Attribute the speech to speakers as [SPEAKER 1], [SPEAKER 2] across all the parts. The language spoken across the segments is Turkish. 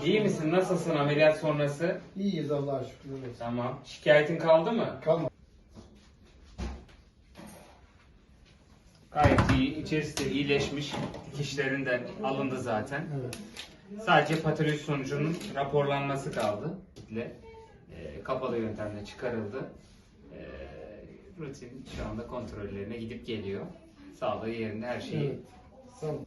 [SPEAKER 1] İyi misin? Nasılsın ameliyat sonrası?
[SPEAKER 2] İyiyiz Allah'a şükür.
[SPEAKER 1] Tamam. Şikayetin kaldı mı?
[SPEAKER 2] Kalma.
[SPEAKER 1] Gayet iyi. İçerisi de iyileşmiş. Dikişlerinden alındı zaten.
[SPEAKER 2] Evet.
[SPEAKER 1] Sadece patoloji sonucunun raporlanması kaldı. Kapalı yöntemle çıkarıldı. Rutin şu anda kontrollerine gidip geliyor. Sağlığı yerinde, her şeyi.
[SPEAKER 2] Evet. Sağ ol.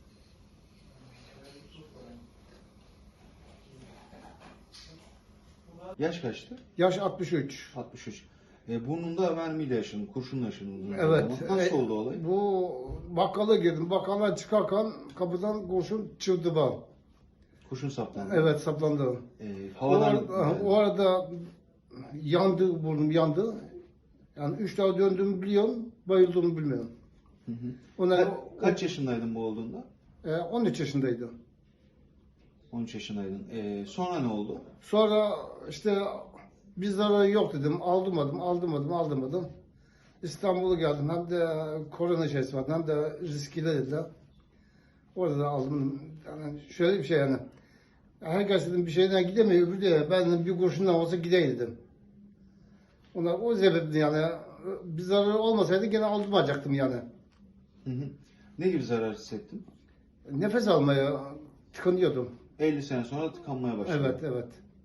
[SPEAKER 3] Yaş kaçtı?
[SPEAKER 2] Yaş 63.
[SPEAKER 3] 63. Burnunda mermiyle yaşadın, kurşunla yaşadın.
[SPEAKER 2] Evet.
[SPEAKER 3] Nasıl oldu olay?
[SPEAKER 2] Bu bakkala girdim. Bakkaldan çıkarken kapıdan kurşun çıktı bana.
[SPEAKER 3] Kurşun saplandı.
[SPEAKER 2] Evet, saplandı.
[SPEAKER 3] Havadan...
[SPEAKER 2] O arada yandı, burnum yandı. Yani 3 daha döndüğümü biliyorum, bayıldığımı bilmiyorum.
[SPEAKER 3] Hı hı.
[SPEAKER 2] Ona,
[SPEAKER 3] Kaç yaşındaydın bu olduğunda?
[SPEAKER 2] 13 yaşındaydım.
[SPEAKER 3] 13 yaşındaydın. Sonra ne oldu?
[SPEAKER 2] Sonra işte bir zararı yok dedim. Aldırmadım. İstanbul'a geldim. Hem de korona şeysi vardı, hem de riskli dediler. Orada da aldım. Yani şöyle bir şey yani. Herkes dedim bir şeyden gidemiyor. Öbürü de ben dedim, bir kurşundan olsa gideyim dedim. Ona o sebeple yani bir zararı olmasaydı gene aldırmayacaktım yani.
[SPEAKER 3] Hı hı. Ne gibi zarar hissettin?
[SPEAKER 2] Nefes almaya tıkanıyordum.
[SPEAKER 3] 50 sene sonra tıkanmaya başladı.
[SPEAKER 2] Evet.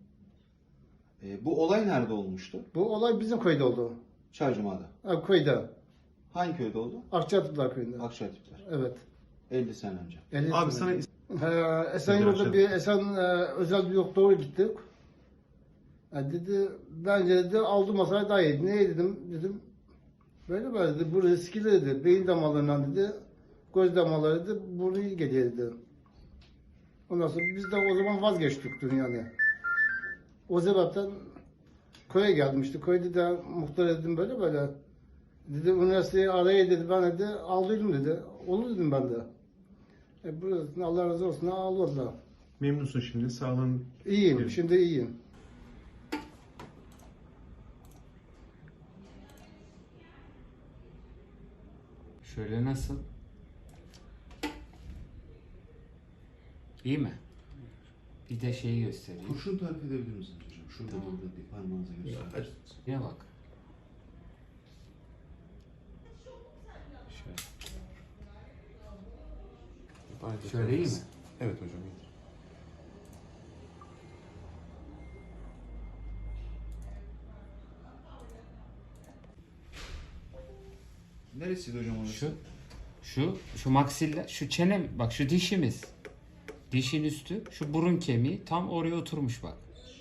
[SPEAKER 3] Bu olay nerede olmuştu?
[SPEAKER 2] Bu olay bizim köyde oldu.
[SPEAKER 3] Çaycuma'da.
[SPEAKER 2] Köyde.
[SPEAKER 3] Hangi köyde oldu?
[SPEAKER 2] Akçatıplar köyünde.
[SPEAKER 3] Akçaatipler.
[SPEAKER 2] Evet.
[SPEAKER 3] 50 sene önce.
[SPEAKER 2] 50
[SPEAKER 4] Abi
[SPEAKER 2] sene.
[SPEAKER 4] sana
[SPEAKER 2] Esenyurt'ta bir özel bir doktora gittik. Dedi bence dedi aldırmasaydı daha iyiydi. Ne dedim. Böyle dedi. Bu riskli dedi. Beyin damarlarından dedi. Göz damarları dedi. Burnu iyi geliyor dedi. Ondan sonra biz de o zaman vazgeçtik yani. O sebepten köye geldim işte. Köyde de muhtar dedim böyle. Dedi üniversiteyi araya dedi. Ben dedi aldıydım dedi. Olur dedim ben de. Burası Allah razı olsun almadılar.
[SPEAKER 4] memnunsun şimdi. Sağlığın
[SPEAKER 2] İyiyim.
[SPEAKER 4] Evet.
[SPEAKER 2] Şimdi iyiyim.
[SPEAKER 1] Şöyle nasıl? İyi mi? Bir de şeyi göstereyim.
[SPEAKER 3] Kurşun tarif edebilir misiniz hocam? Şurada burada bir parmağınıza gösterin.
[SPEAKER 1] Ne bak. Şöyle iyi mi?
[SPEAKER 4] Evet hocam. iyi.
[SPEAKER 3] Neresiydi hocam orası?
[SPEAKER 1] Şu maksiller, şu çenem, bak şu dişimiz. Dişin üstü, şu burun kemiği tam oraya oturmuş bak.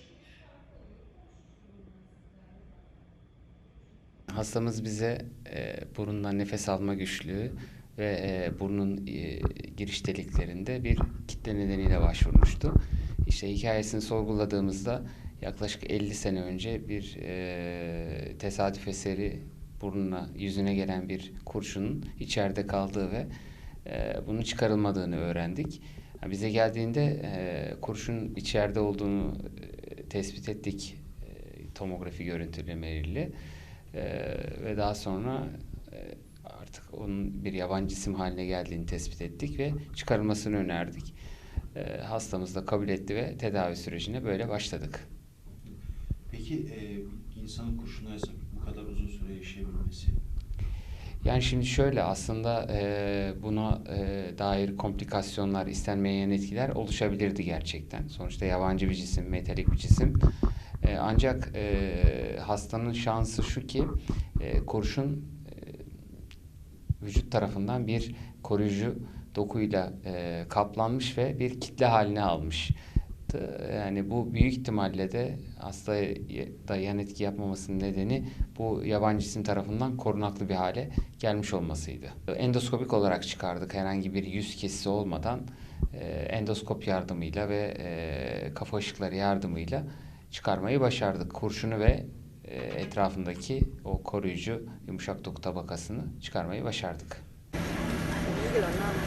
[SPEAKER 1] Hastamız bize burundan nefes alma güçlüğü ve burnun giriş deliklerinde bir kitle nedeniyle başvurmuştu. İşte hikayesini sorguladığımızda yaklaşık 50 sene önce bir tesadüf eseri burnuna, yüzüne gelen bir kurşunun içeride kaldığı ve bunun çıkarılmadığını öğrendik. Bize geldiğinde kurşun içeride olduğunu tespit ettik tomografi görüntülemeleriyle. Ve daha sonra artık onun bir yabancı cisim haline geldiğini tespit ettik ve çıkarılmasını önerdik. Hastamız da kabul etti ve tedavi sürecine böyle başladık.
[SPEAKER 3] Peki insanın kurşuna bu kadar uzun süre yaşayabilmesi?
[SPEAKER 1] Yani şimdi şöyle aslında buna dair komplikasyonlar, istenmeyen etkiler oluşabilirdi gerçekten. Sonuçta yabancı bir cisim, metalik bir cisim. Ancak hastanın şansı şu ki kurşun vücut tarafından bir koruyucu dokuyla kaplanmış ve bir kitle haline almış. Yani bu büyük ihtimalle de hastaya da yan etki yapmamasının nedeni bu yabancı cisim tarafından korunaklı bir hale gelmiş olmasıydı. Endoskopik olarak çıkardık, herhangi bir yüz kesisi olmadan endoskop yardımıyla ve kafa ışıkları yardımıyla çıkarmayı başardık. Kurşunu ve etrafındaki o koruyucu yumuşak doku tabakasını çıkarmayı başardık.